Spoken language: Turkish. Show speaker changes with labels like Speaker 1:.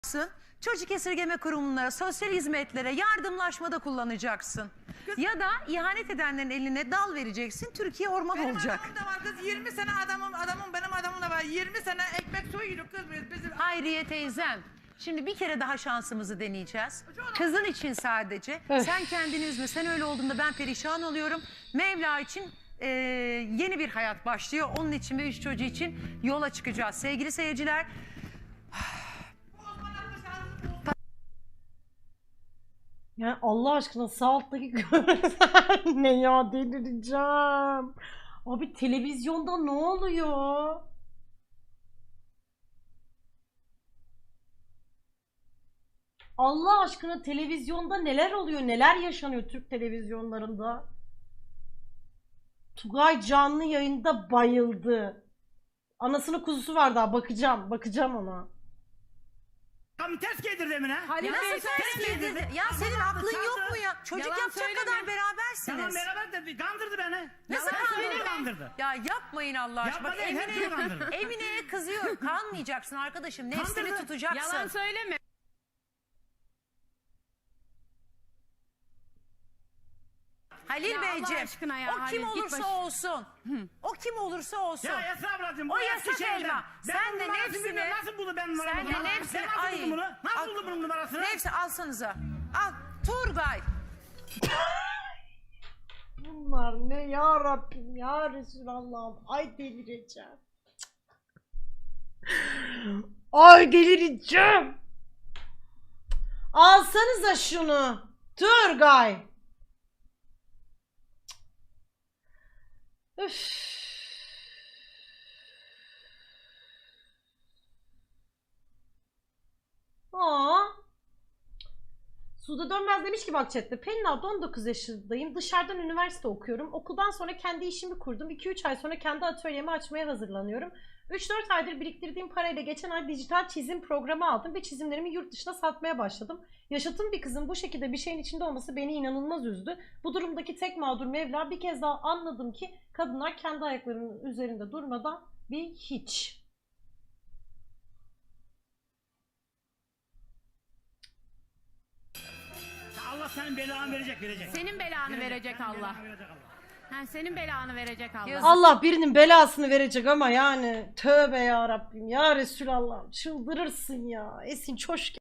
Speaker 1: Çocuk esirgeme kurumlara, sosyal hizmetlere, yardımlaşmada kullanacaksın. Ya da ihanet edenlerin eline dal vereceksin, Türkiye orman
Speaker 2: Benim
Speaker 1: olacak.
Speaker 2: adamım da var kız, 20 sene benim adamım da var. 20 sene ekmek soyuyoruz kız bizim.
Speaker 1: Hayriye teyzem, şimdi bir kere daha şansımızı deneyeceğiz. Kızın için sadece. Sen kendini üzme, sen öyle olduğunda ben perişan oluyorum. Mevla için yeni bir hayat başlıyor. Onun için ve 3 çocuğu için yola çıkacağız. Sevgili seyirciler,
Speaker 3: Ya Allah aşkına sağ alttaki görüntüler ne ya, delireceğim. Abi televizyonda ne oluyor? Allah aşkına televizyonda neler oluyor, neler yaşanıyor Türk televizyonlarında? Tugay canlı yayında bayıldı. Anasının kuzusu var daha, bakacağım ona.
Speaker 4: Tam ters giydirdi Emine.
Speaker 1: ya nasıl ters giydirdi? Ya senin aklın yok mu ya? Çocuk
Speaker 5: Yalan
Speaker 1: yapacak
Speaker 5: söyleme.
Speaker 1: kadar berabersiniz.
Speaker 4: Tamam beraber de kandırdı beni.
Speaker 1: Nasıl
Speaker 4: Yalan
Speaker 1: kandırdı?
Speaker 4: söyleme. Kandırdı.
Speaker 1: Ya yapmayın Allah aşkına. Bak
Speaker 4: Yapma değil, hep kandırdı.
Speaker 1: Emine'ye kızıyorum. Kanmayacaksın arkadaşım. Nefsini
Speaker 4: Kandırdı.
Speaker 1: tutacaksın.
Speaker 5: Yalan söyleme.
Speaker 1: Halil
Speaker 5: Ya Allah
Speaker 1: Beyciğim,
Speaker 5: aşkına ya,
Speaker 1: o
Speaker 5: Halil,
Speaker 1: kim
Speaker 5: git
Speaker 1: olursa
Speaker 5: baş-
Speaker 1: olsun. O kim olursa olsun.
Speaker 4: Ya Esra ablacığım bu
Speaker 1: O
Speaker 4: eski
Speaker 1: yasak
Speaker 4: şeyden.
Speaker 1: elma.
Speaker 4: Ben
Speaker 1: Sen
Speaker 4: bunun
Speaker 1: de
Speaker 4: numarasını
Speaker 1: nefsini-
Speaker 4: bilmiyorum. Nasıl buldu benim numaramı?
Speaker 1: Sen de nefsini...
Speaker 4: Ben nasıl buldum bunu? Nasıl buldum bunun numarasını?
Speaker 1: Nefsi alsanıza. Al Turgay.
Speaker 3: Bunlar ne ya Rabbim ya Resulallah'ım, ay delireceğim. Ay delireceğim. Alsanıza şunu Turgay. Üf. Aa. Suda Dönmez demiş ki bak chatte, Pelin abla 19 yaşındayım, dışarıdan üniversite okuyorum, okuldan sonra kendi işimi kurdum, 2-3 ay sonra kendi atölyemi açmaya hazırlanıyorum. 3-4 aydır biriktirdiğim parayla geçen ay dijital çizim programı aldım ve çizimlerimi yurt dışına satmaya başladım. Yaşıtım bir kızın bu şekilde bir şeyin içinde olması beni inanılmaz üzdü. Bu durumdaki tek mağdur Mevla. Bir kez daha anladım ki kadınlar kendi ayaklarının üzerinde durmadan bir hiç.
Speaker 4: Allah senin belanı verecek.
Speaker 5: Senin belanı verecek Allah. Ha, senin belanı verecek Allah.
Speaker 1: Yazık.
Speaker 3: Allah birinin belasını verecek ama yani tövbe ya Rabbim ya Resulallah, çıldırırsın ya. Esin Çoşke.